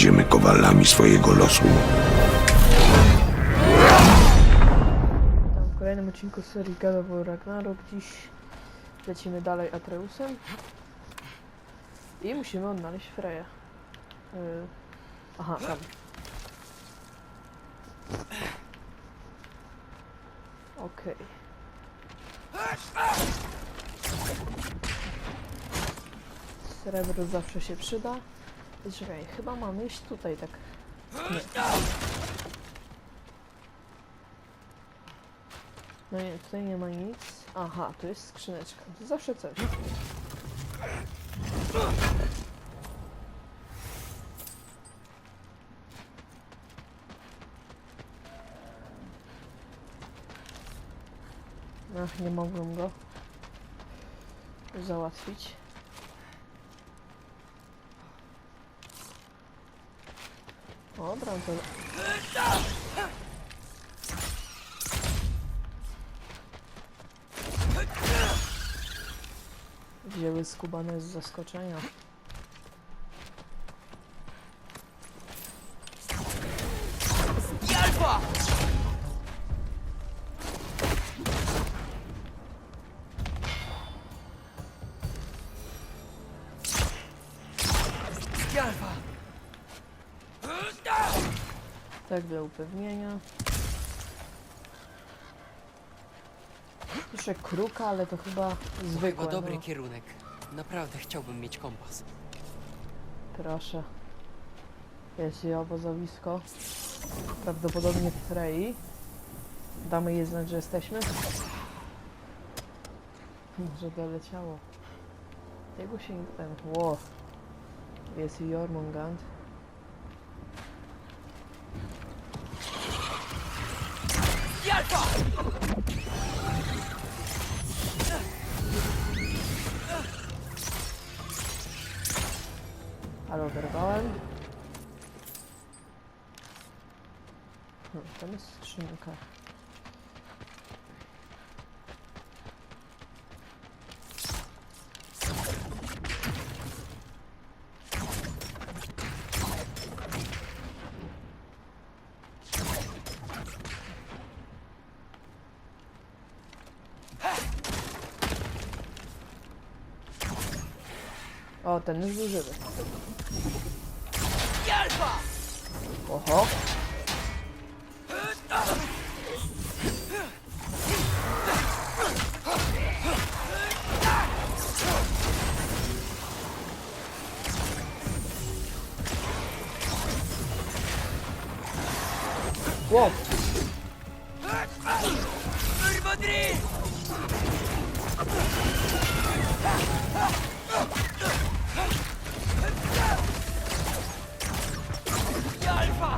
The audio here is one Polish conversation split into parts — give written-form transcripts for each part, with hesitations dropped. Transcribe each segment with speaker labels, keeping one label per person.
Speaker 1: będziemy kowalami swojego losu.
Speaker 2: Witam w kolejnym odcinku z serii God of War Ragnarok. Dziś lecimy dalej Atreusem i musimy odnaleźć Freję. Aha, tam. Okej. Srebro zawsze się przyda. I czekaj, chyba mamy iść tutaj, tak. Nie. No nie, tutaj nie ma nic. Aha, tu jest skrzyneczka. To zawsze coś. Ach, nie mogłem go załatwić. Dobra, to... Wzięły skubane z zaskoczenia.
Speaker 3: Alfa! Alfa!
Speaker 2: Tak, dla upewnienia. Jeszcze kruka, ale to chyba zwykłe.
Speaker 3: Chyba dobry
Speaker 2: No.
Speaker 3: kierunek. Naprawdę chciałbym mieć kompas.
Speaker 2: Proszę. Jest jej obozowisko. Prawdopodobnie w Frei. Damy jej znać, że jesteśmy. Może doleciało. Jego się nie ten. Ło. Jest i Jormungand.
Speaker 3: Alfa!
Speaker 2: Ale oberwałem. Tam jest skrzynka. O, ten już był żywy.
Speaker 3: Alfa!
Speaker 2: Oho. Wow.
Speaker 3: Urmodry! Alfa!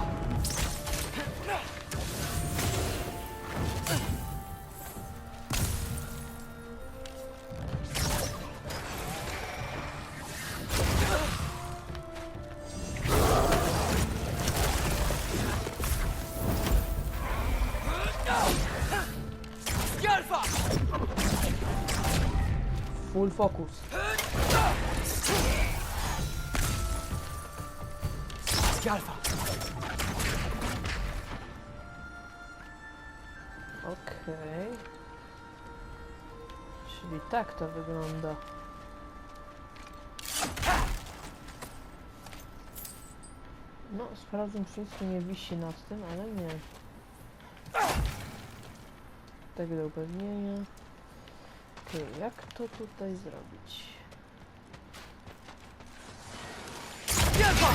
Speaker 3: Alfa!
Speaker 2: Full focus.
Speaker 3: Alfa!
Speaker 2: Okej. Czyli tak to wygląda. No, sprawdzę, czy nic tu nie wisi nad tym, ale nie. Tak do upewnienia. Okej, jak to tutaj zrobić?
Speaker 3: Alfa!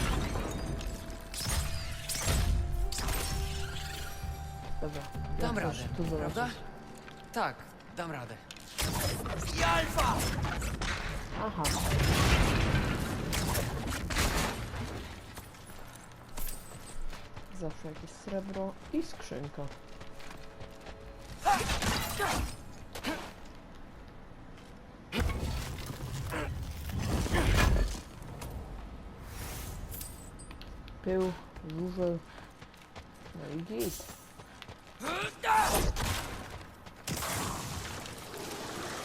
Speaker 2: Dobra.
Speaker 3: Dam
Speaker 2: jak
Speaker 3: radę,
Speaker 2: już tu
Speaker 3: prawda?
Speaker 2: zobaczyć.
Speaker 3: Tak, dam radę. Alfa!
Speaker 2: Aha. Zawsze jakieś srebro i skrzynka. Pył, żużel, no i git.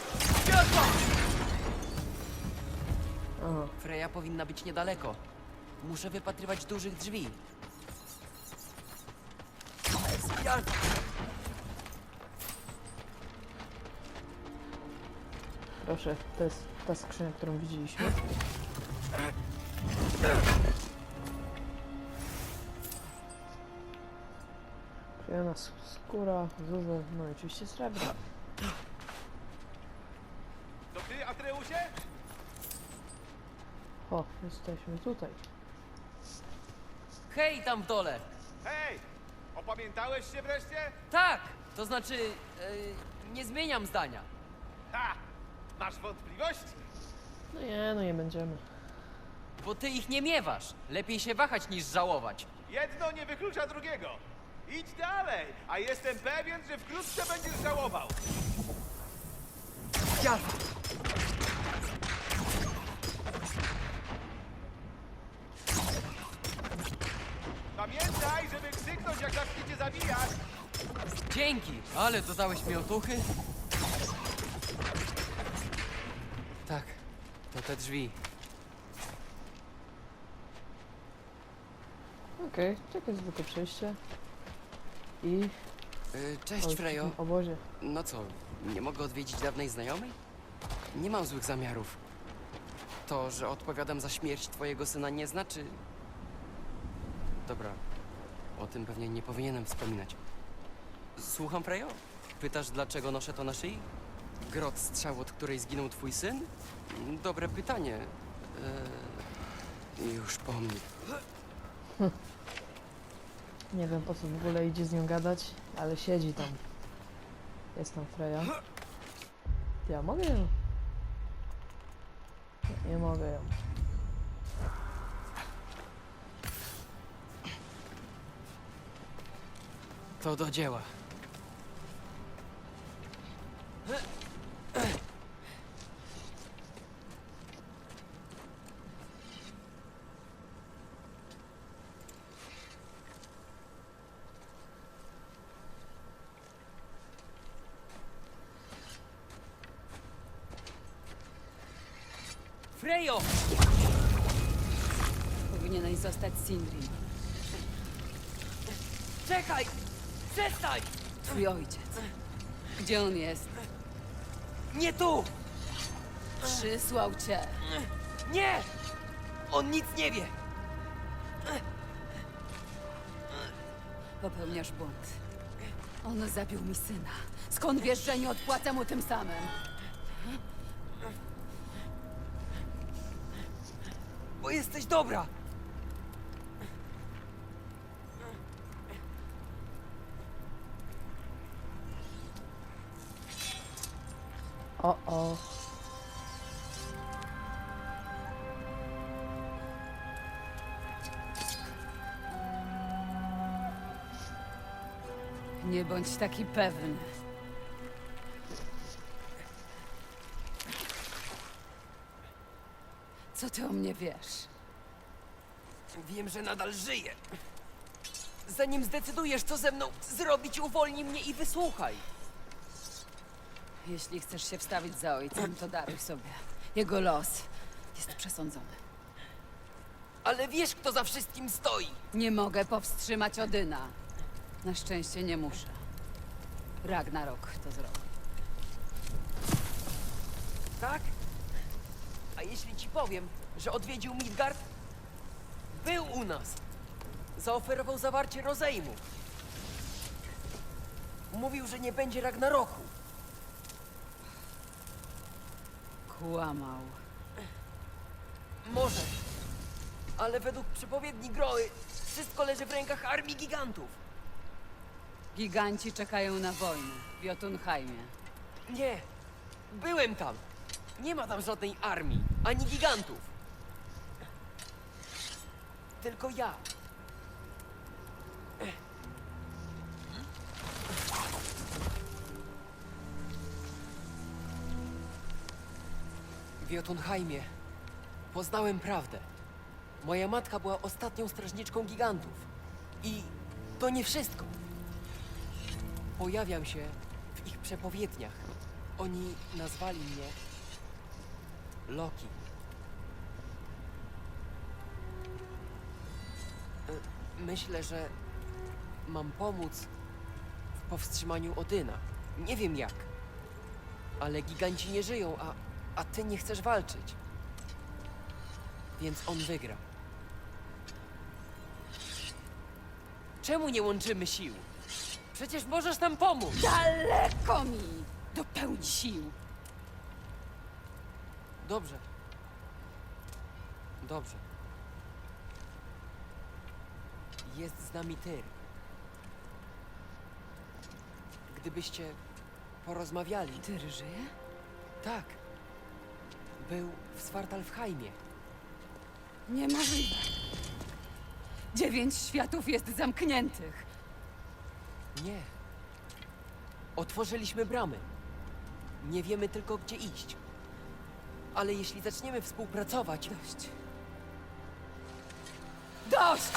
Speaker 2: Aha,
Speaker 3: Freja powinna być niedaleko. Muszę wypatrywać dużych drzwi. Alfa!
Speaker 2: Proszę, to jest ta skrzynia, którą widzieliśmy. Przyjemna skóra, zuza, no i oczywiście srebro.
Speaker 4: To ty, Atreusie?
Speaker 2: O, jesteśmy tutaj.
Speaker 3: Hej, tam w dole!
Speaker 4: Hej! Opamiętałeś się wreszcie?
Speaker 3: Tak! To znaczy, nie zmieniam zdania.
Speaker 4: Ha! Masz wątpliwości?
Speaker 2: No nie będziemy.
Speaker 3: Bo ty ich nie miewasz. Lepiej się wahać niż żałować.
Speaker 4: Jedno nie wyklucza drugiego. Idź dalej, a jestem pewien, że wkrótce będziesz żałował.
Speaker 3: Alfa!
Speaker 4: Pamiętaj, żeby krzyknąć, jak zaczniecie zabijać.
Speaker 3: Dzięki, ale dodałeś mi otuchy. Tak, to te drzwi.
Speaker 2: Okej, czekaj, zwykłe przejście. I...
Speaker 3: Cześć,
Speaker 2: o, w
Speaker 3: Frejo.
Speaker 2: tym obozie.
Speaker 3: No co, nie mogę odwiedzić dawnej znajomej? Nie mam złych zamiarów. To, że odpowiadam za śmierć twojego syna, nie znaczy... Dobra, o tym pewnie nie powinienem wspominać. Słucham, Frejo? Pytasz, dlaczego noszę to na szyi? Grot strzał, od której zginął twój syn? Dobre pytanie. Już po mnie.
Speaker 2: Nie wiem, po co w ogóle idzie z nią gadać, ale siedzi tam. Jest tam Freja. Ja mogę ją? Nie mogę ją.
Speaker 3: To do dzieła. Frejo!
Speaker 5: Powinieneś zostać Sindri.
Speaker 3: Czekaj! Przestań!
Speaker 5: Twój ojciec. Gdzie on jest?
Speaker 3: Nie tu!
Speaker 5: Przysłał cię.
Speaker 3: Nie! On nic nie wie!
Speaker 5: Popełniasz błąd. On zabił mi syna. Skąd wiesz, że nie odpłacę mu tym samym?
Speaker 3: Bo jesteś dobra!
Speaker 2: O.
Speaker 5: Nie bądź taki pewny. Co ty o mnie wiesz?
Speaker 3: Wiem, że nadal żyję. Zanim zdecydujesz, co ze mną zrobić, uwolnij mnie i wysłuchaj.
Speaker 5: Jeśli chcesz się wstawić za ojcem, to daruj sobie. Jego los jest przesądzony.
Speaker 3: Ale wiesz, kto za wszystkim stoi.
Speaker 5: Nie mogę powstrzymać Odyna. Na szczęście nie muszę. Ragnarok to zrobi.
Speaker 3: Tak? A jeśli ci powiem, że odwiedził Midgard? Był u nas. Zaoferował zawarcie rozejmu. Mówił, że nie będzie Ragnaroku.
Speaker 5: Kłamał.
Speaker 3: Może. Ale według przepowiedni Groły wszystko leży w rękach armii gigantów.
Speaker 5: Giganci czekają na wojnę w Jotunheimie.
Speaker 3: Nie. Byłem tam. Nie ma tam żadnej armii, ani gigantów. Tylko ja. W Jotunheimie poznałem prawdę. Moja matka była ostatnią strażniczką gigantów. I to nie wszystko. Pojawiam się w ich przepowiedniach. Oni nazwali mnie Loki. Myślę, że mam pomóc w powstrzymaniu Odyna. Nie wiem jak. Ale giganci nie żyją, a ty nie chcesz walczyć. Więc on wygra. Czemu nie łączymy sił? Przecież możesz nam pomóc!
Speaker 5: Daleko mi do pełni sił.
Speaker 3: Dobrze. Dobrze. Jest z nami Tyr. Gdybyście porozmawiali...
Speaker 5: Tyr żyje?
Speaker 3: Tak. Był w Svartalfheimie.
Speaker 5: Niemożliwe. 9 światów jest zamkniętych.
Speaker 3: Nie. Otworzyliśmy bramy. Nie wiemy tylko, gdzie iść. Ale jeśli zaczniemy współpracować...
Speaker 5: Dość. Dość!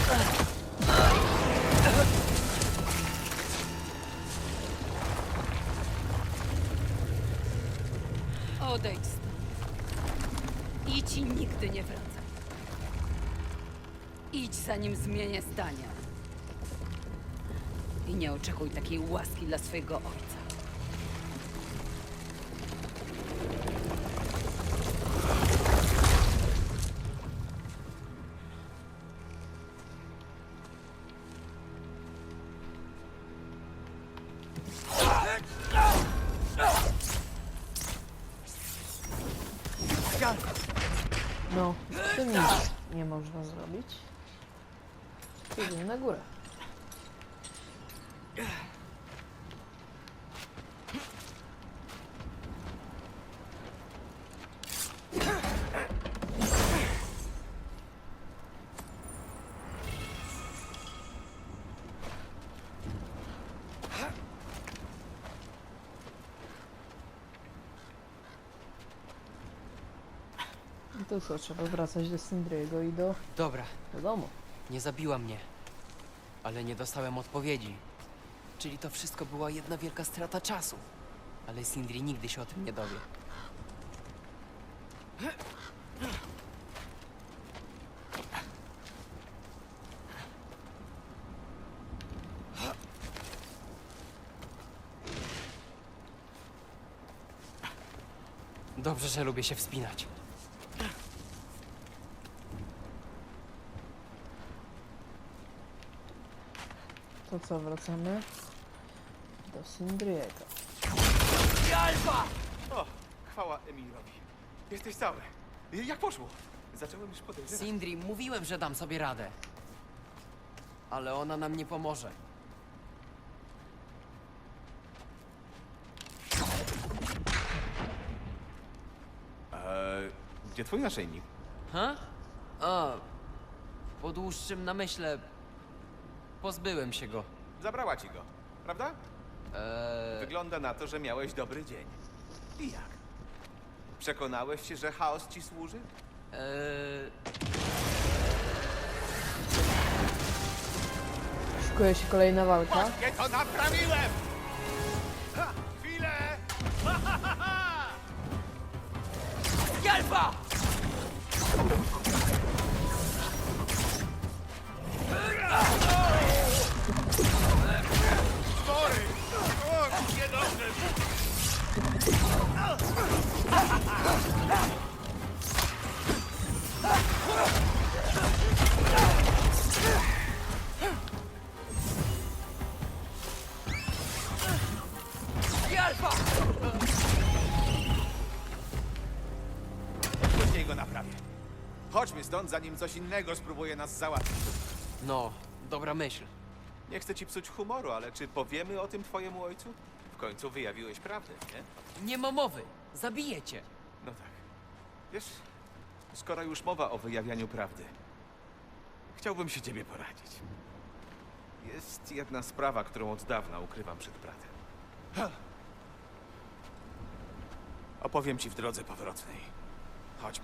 Speaker 5: Odejdź stąd. Idź i nigdy nie wracaj. Idź, zanim zmienię zdania. I nie oczekuj takiej łaski dla swojego ojca.
Speaker 2: No, z tym nic nie można zrobić. Idziemy na górę. I to co, trzeba wracać do Sindriego i do
Speaker 3: Dobra,
Speaker 2: domu.
Speaker 3: nie zabiła mnie. Ale nie dostałem odpowiedzi. Czyli to wszystko była jedna wielka strata czasu. Ale Sindri nigdy się o tym nie dowie. Dobrze, że lubię się wspinać.
Speaker 2: To co, wracamy do Sindriego.
Speaker 4: O, chwała Emilowi. Jesteś cały. Jak poszło? Zacząłem już podejrzewać.
Speaker 3: Sindri, mówiłem, że dam sobie radę. Ale ona nam nie pomoże.
Speaker 4: Gdzie twój naszyjnik?
Speaker 3: Ha? A, po dłuższym namyśle pozbyłem się go.
Speaker 4: Zabrała ci go, prawda? Wygląda na to, że miałeś dobry dzień. I jak? Przekonałeś się, że chaos ci służy?
Speaker 2: Szykuje się kolejna walka.
Speaker 4: Właśnie to naprawiłem! Ha, chwilę! Ha, ha, ha, ha!
Speaker 3: Gelba!
Speaker 4: Spory! O, niedobrze!
Speaker 3: Gelba!
Speaker 4: Później go naprawię. Chodźmy stąd, zanim coś innego spróbuje nas załatwić.
Speaker 3: No, dobra myśl.
Speaker 4: Nie chcę ci psuć humoru, ale czy powiemy o tym twojemu ojcu? W końcu wyjawiłeś prawdę, nie?
Speaker 3: Nie ma mowy. Zabiję cię.
Speaker 4: No tak. Wiesz, skoro już mowa o wyjawianiu prawdy, chciałbym się ciebie poradzić. Jest jedna sprawa, którą od dawna ukrywam przed bratem. Ha! Opowiem ci w drodze powrotnej. Chodźmy.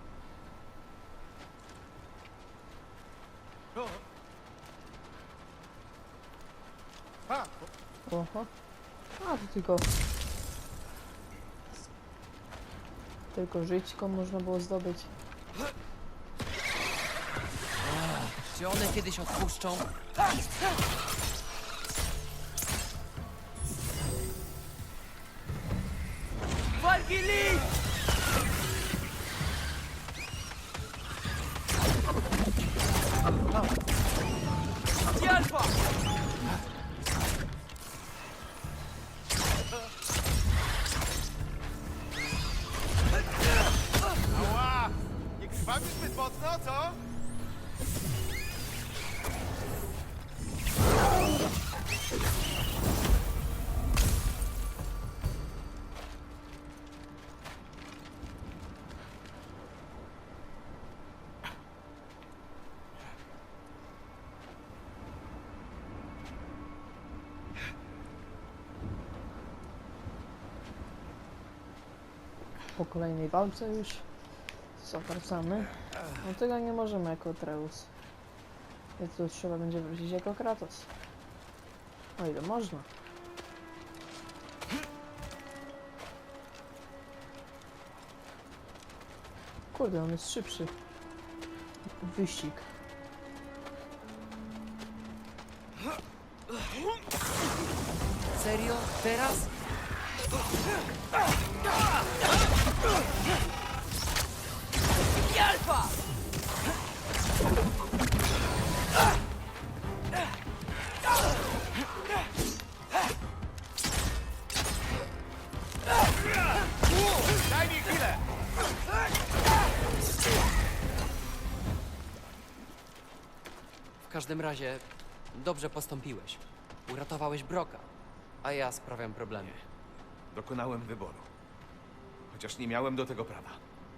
Speaker 2: Oho. A, to tylko... Tylko żyćko można było zdobyć.
Speaker 3: Czy one kiedyś odpuszczą? Walki Lee! Alfa!
Speaker 4: Ała! Nie krwawisz zbyt mocno, co?
Speaker 2: Po kolejnej walce już zawracamy. No tego nie możemy jako Atreus. Więc tu trzeba będzie wrócić jako Kratos. O ile można. Kurde, on jest szybszy. Wyścig.
Speaker 3: Serio? Teraz? Alfa!
Speaker 4: Daj mi chwilę!
Speaker 3: W każdym razie, dobrze postąpiłeś. Uratowałeś Broka, a ja sprawiam problemy.
Speaker 4: Dokonałem wyboru. Chociaż nie miałem do tego prawa.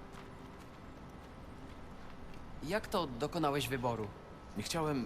Speaker 3: Jak to dokonałeś wyboru?
Speaker 4: Nie chciałem...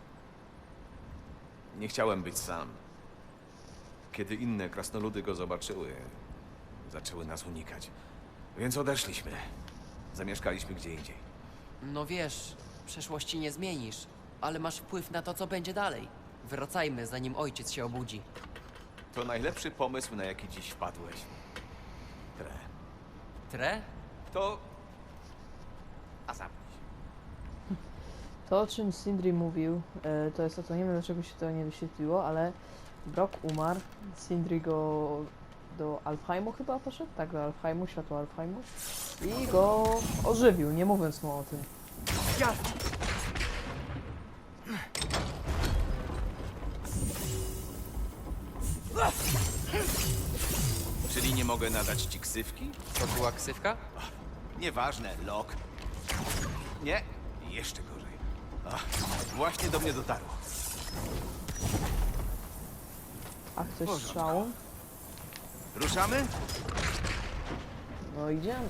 Speaker 4: Nie chciałem być sam. Kiedy inne krasnoludy go zobaczyły, zaczęły nas unikać. Więc odeszliśmy. Zamieszkaliśmy gdzie indziej.
Speaker 3: No wiesz, przeszłości nie zmienisz, ale masz wpływ na to, co będzie dalej. Wracajmy, zanim ojciec się obudzi.
Speaker 4: To najlepszy pomysł, na jaki dziś wpadłeś. Tre.
Speaker 3: Tre?
Speaker 4: To... A zamknij się.
Speaker 2: To, o czym Sindri mówił, to jest to, co nie wiem, dlaczego się to nie wyświetliło, ale Brock umarł, Sindri go do Alfheimu chyba poszedł? Tak, do Alfheimu, światła Alfheimu. I go ożywił, nie mówiąc mu o tym.
Speaker 4: Czyli nie mogę nadać ci ksywki?
Speaker 3: To była ksywka?
Speaker 4: Nieważne, Lok. Nie, jeszcze gorzej. Ach, właśnie do mnie dotarło.
Speaker 2: A ktoś strzał?
Speaker 4: Ruszamy?
Speaker 2: No idziemy.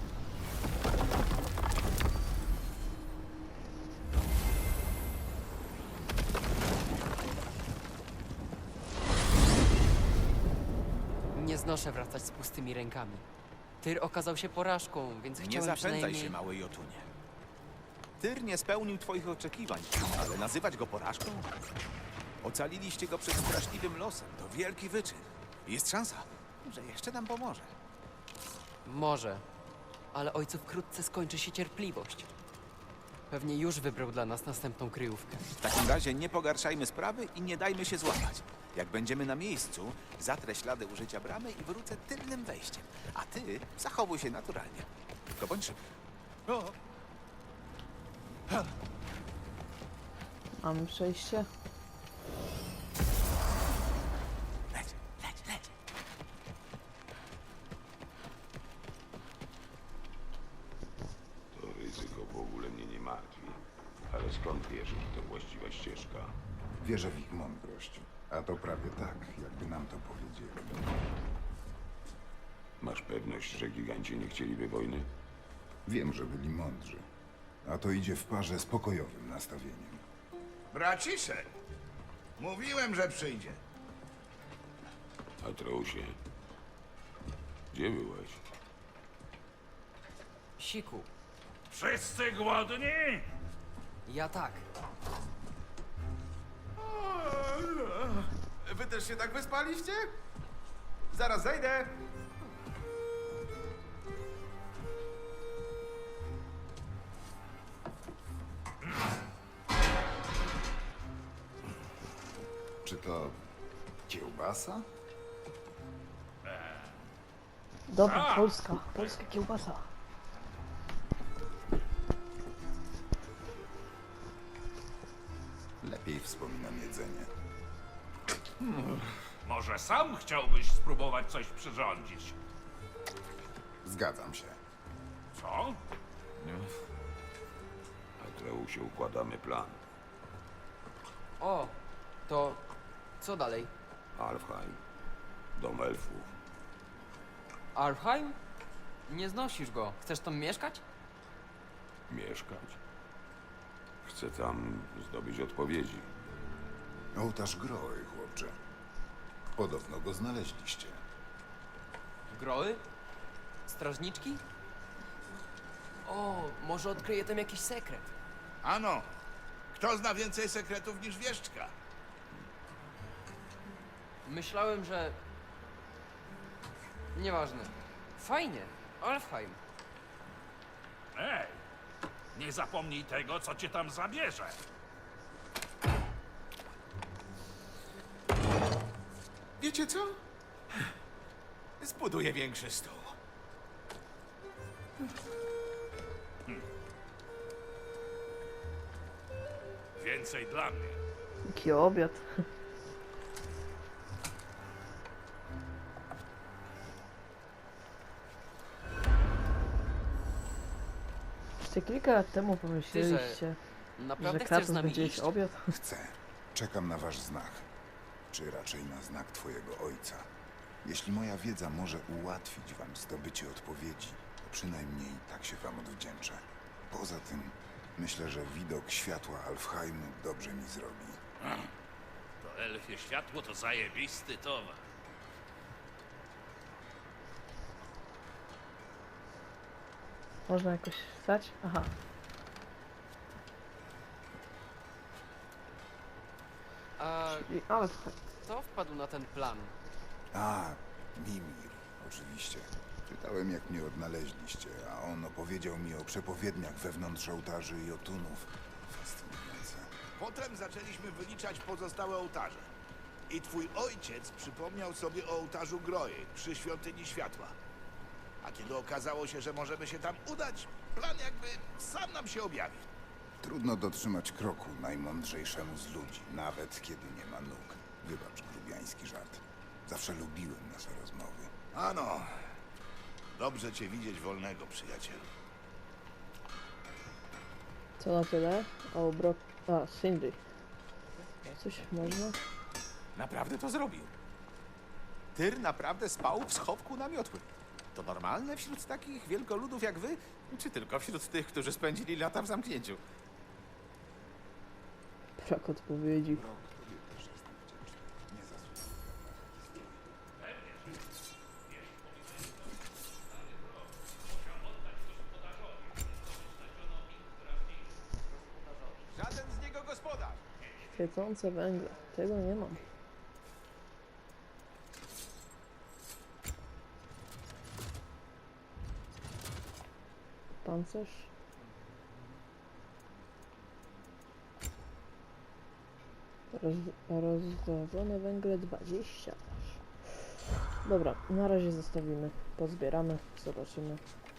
Speaker 3: Nie znoszę wracać z pustymi rękami. Tyr okazał się porażką, więc
Speaker 4: Nie
Speaker 3: chciałem
Speaker 4: zapędzaj
Speaker 3: przynajmniej...
Speaker 4: się, mały Jotunie. Tyr nie spełnił twoich oczekiwań, ale nazywać go porażką? Ocaliliście go przed straszliwym losem. To wielki wyczyn. Jest szansa, że jeszcze nam pomoże.
Speaker 3: Może, ale ojcu wkrótce skończy się cierpliwość. Pewnie już wybrał dla nas następną kryjówkę.
Speaker 4: W takim razie nie pogarszajmy sprawy i nie dajmy się złapać. Jak będziemy na miejscu, zatrę ślady użycia bramy i wrócę tylnym wejściem. A ty zachowuj się naturalnie. Tylko bądź szybki.
Speaker 2: Mamy przejście.
Speaker 4: Leć, leć, leć.
Speaker 1: To ryzyko w ogóle mnie nie martwi. Ale skąd wiesz, że to właściwa ścieżka?
Speaker 6: Wierzę w ich mądrość. A to prawie tak, jakby nam to powiedzieli.
Speaker 1: Masz pewność, że giganci nie chcieliby wojny?
Speaker 6: Wiem, że byli mądrzy. A to idzie w parze z pokojowym nastawieniem.
Speaker 7: Braciszek! Mówiłem, że przyjdzie.
Speaker 1: Atreusie, gdzie byłeś?
Speaker 3: Siku,
Speaker 7: Wszyscy głodni?
Speaker 3: ja tak.
Speaker 4: Wy też się tak wyspaliście? Zaraz zejdę.
Speaker 6: Czy to kiełbasa?
Speaker 2: Dobra, polska kiełbasa.
Speaker 6: Lepiej wspominam jedzenie.
Speaker 7: Może sam chciałbyś spróbować coś przyrządzić?
Speaker 6: Zgadzam się.
Speaker 7: Co?
Speaker 1: Atreusie, układamy plan.
Speaker 3: O, to co dalej?
Speaker 1: Alfheim. Dom elfów.
Speaker 3: Alfheim? Nie znosisz go. Chcesz tam mieszkać?
Speaker 1: Mieszkać. Chcę tam zdobyć odpowiedzi.
Speaker 6: Ołtarz Groły, chłopcze. Podobno go znaleźliście.
Speaker 3: Groły? Strażniczki? O, może odkryję tam jakiś sekret.
Speaker 7: Ano, kto zna więcej sekretów niż wieszczka?
Speaker 3: Myślałem, że... Nieważne. Fajnie. Alfheim.
Speaker 7: Ej, nie zapomnij tego, co cię tam zabierze.
Speaker 4: Wiecie co? Zbuduję większy stół.
Speaker 7: Więcej dla mnie.
Speaker 2: Jaki obiad. Jeszcze kilka lat temu pomyśleliście, że
Speaker 3: Naprawdę chcesz z
Speaker 2: Kratos
Speaker 3: nami
Speaker 2: będzie
Speaker 3: iść?
Speaker 2: jeść obiad?
Speaker 6: Chcę. Czekam na wasz znak. Czy raczej na znak twojego ojca. Jeśli moja wiedza może ułatwić wam zdobycie odpowiedzi, to przynajmniej tak się wam odwdzięczę. Poza tym, myślę, że widok światła Alfheimu dobrze mi zrobi.
Speaker 7: To elfie światło to zajebisty towar.
Speaker 2: Można jakoś wstać? Aha.
Speaker 3: A
Speaker 2: Ale
Speaker 3: kto wpadł na ten plan?
Speaker 6: A, Mimir, oczywiście. Czytałem, jak mnie odnaleźliście, a on opowiedział mi o przepowiedniach wewnątrz ołtarzy i otunów. Fascynujące.
Speaker 8: Potem zaczęliśmy wyliczać pozostałe ołtarze. I twój ojciec przypomniał sobie o ołtarzu Groi przy Świątyni Światła. A kiedy okazało się, że możemy się tam udać, plan jakby sam nam się objawił.
Speaker 6: Trudno dotrzymać kroku najmądrzejszemu z ludzi, nawet kiedy nie ma nóg. Wybacz grubiański żart. Zawsze lubiłem nasze rozmowy.
Speaker 8: Ano, dobrze cię widzieć wolnego, przyjacielu.
Speaker 2: co na tyle? O, Brock... A, Sindri. Coś można?
Speaker 4: Naprawdę to zrobił. Tyr naprawdę spał w schowku namiotłym. To normalne wśród takich wielkoludów jak wy? Czy tylko wśród tych, którzy spędzili lata w zamknięciu?
Speaker 2: Brak odpowiedzi.
Speaker 4: Żaden z niego gospodarz.
Speaker 2: Świecące węgle. Tego nie mam. Pancerz. Rozdrożone węgle 20. Dobra, na razie zostawimy. Pozbieramy, zobaczymy.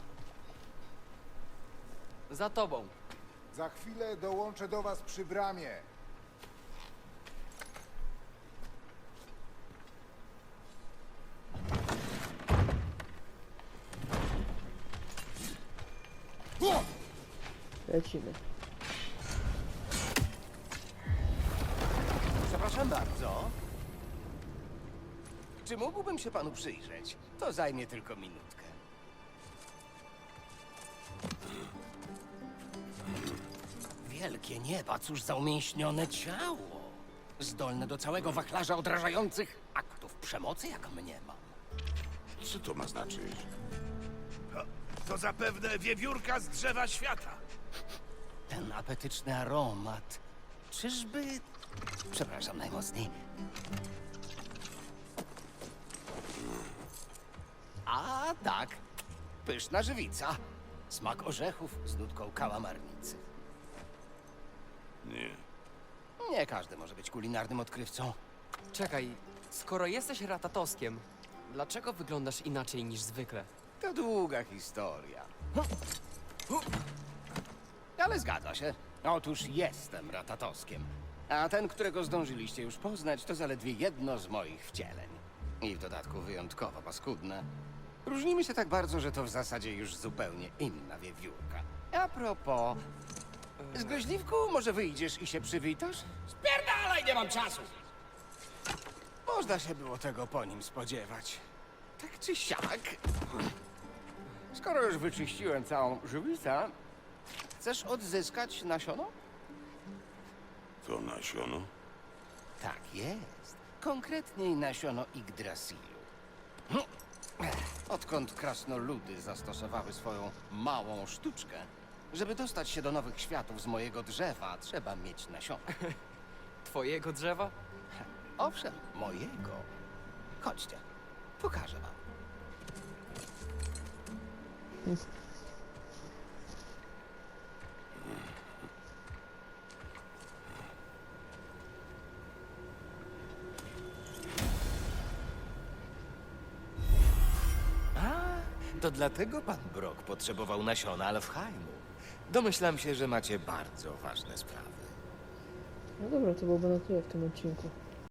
Speaker 3: Za tobą.
Speaker 6: Za chwilę dołączę do was przy bramie.
Speaker 2: Lecimy.
Speaker 9: Przepraszam bardzo. Czy mógłbym się panu przyjrzeć? To zajmie tylko minutkę. Wielkie nieba, cóż za umięśnione ciało. Zdolne do całego wachlarza odrażających aktów przemocy, jak mnie mam.
Speaker 1: Co to ma znaczyć?
Speaker 8: To zapewne wiewiórka z drzewa świata.
Speaker 9: Ten apetyczny aromat. Czyżby... Przepraszam najmocniej. A tak, pyszna żywica. Smak orzechów z nutką kałamarnicy.
Speaker 1: Nie.
Speaker 9: Nie każdy może być kulinarnym odkrywcą.
Speaker 3: Czekaj, skoro jesteś ratatoskiem, dlaczego wyglądasz inaczej niż zwykle?
Speaker 9: To długa historia. Ale zgadza się. Otóż jestem ratatoskiem. A ten, którego zdążyliście już poznać, to zaledwie jedno z moich wcieleń. I w dodatku wyjątkowo paskudne. Różnimy się tak bardzo, że to w zasadzie już zupełnie inna wiewiórka. A propos... Zgryźliwku, może wyjdziesz i się przywitasz? Spierdalaj, nie mam czasu! Można się było tego po nim spodziewać. Tak czy siak... Skoro już wyczyściłem całą żywicę, chcesz odzyskać nasiono?
Speaker 1: To nasiono?
Speaker 9: Tak jest. Konkretniej nasiono Yggdrasilu. Odkąd krasnoludy zastosowały swoją małą sztuczkę, żeby dostać się do nowych światów z mojego drzewa, trzeba mieć nasiono.
Speaker 3: Twojego drzewa?
Speaker 9: Owszem, mojego. Chodźcie, pokażę wam.
Speaker 4: To dlatego pan Brok potrzebował nasiona Alfheimu. Domyślam się, że macie bardzo ważne sprawy.
Speaker 2: No dobra, to byłoby na tyle w tym odcinku.